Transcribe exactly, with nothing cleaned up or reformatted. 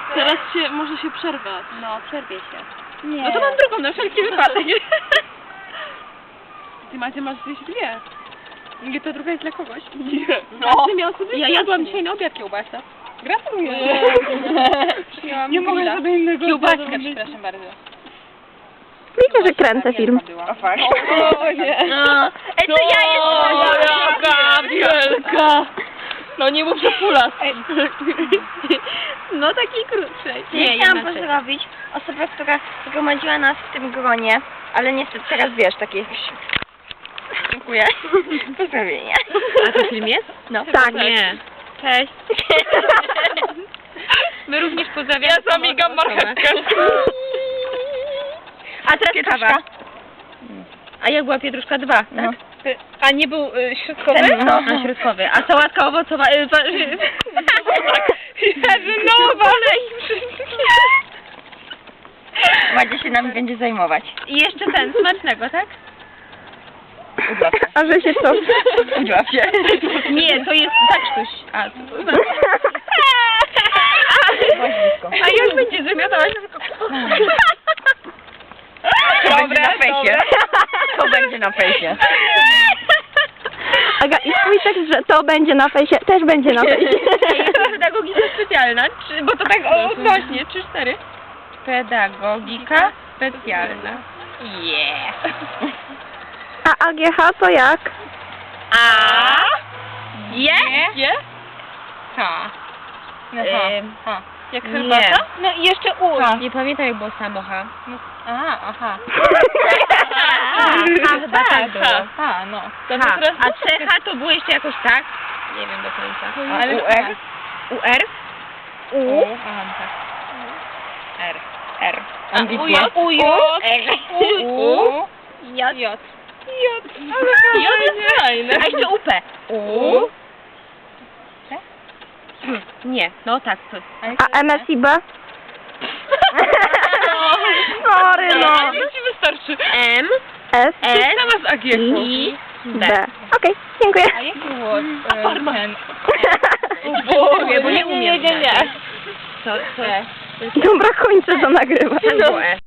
Teraz się, może się przerwać. No, przerwie się. Nie. No to mam drugą na wszelki wypadek. Ty Macie, masz gdzieś dwie. Nie, to druga jest dla kogoś. Nie. No. Ty miał sobie Ja dwie. jadłam dzisiaj na obiad kiełbasę. Gratuluję. Przyjęłam Nie mogę grilla. sobie innego Kiełbaskę, zamówić. przepraszam bardzo. Wiecie, że kręcę film. O, fakt. O nie. No. Ej, to ja jestem jaka wielka. No nie mów, że pulas. No takiej krótszej. Nie, chciałam pozdrowić osobę, która zgromadziła nas w tym gronie, ale niestety teraz wiesz, takie... Dziękuję. Pozdrowienia. A to film jest? No. Tak. Nie. Cześć. My również pozdrawiamy. Ja zamigam marchewkę. A teraz kawa. A jak była pietruszka dwa, tak? No. A nie był y, środkowy? Ten, no. A środkowy. A sałatka owocowa... Y, pa, y, Jarzynowa! Madzie się nami będzie zajmować. I jeszcze ten, smacznego, tak? Udław się. A że się co? Udław się. Nie, to jest tak coś. A, to, Byłaś blisko. a już będzie wymiotować. To będzie na fejsie. To będzie na fejsie. Aga, i twój tekst, że to będzie na fejsie, też będzie na fejsie. Jest pedagogika specjalna, czy, bo to tak o, odnośnie, trzy, cztery. Pedagogika specjalna. Yeah. A A G H to jak? A. Je? Je? Ha. No, Ym, ha. Jak Nie. herbata? No i jeszcze U. Nie pamiętam jak było samo H. Aha, aha. A, chyba tak było. Ha, no. To H. teraz A C H to było jeszcze jakoś tak? Nie wiem do końca. A U R? U R? U. Aha, tak. R. R. A U J? U J? R. U. J. J. J. J jest fajne. A jeszcze U P. U. Nie, no tak. To... A M S I B? Sorry, no. To ci wystarczy. M. S S. Sama z A G I. B. Okej, dziękuję. A jaki było e, ten? Boże, bo nie umiem. Nie, nie, nie. Co, co? Dobra, kończę to nagrywać. Tam było E.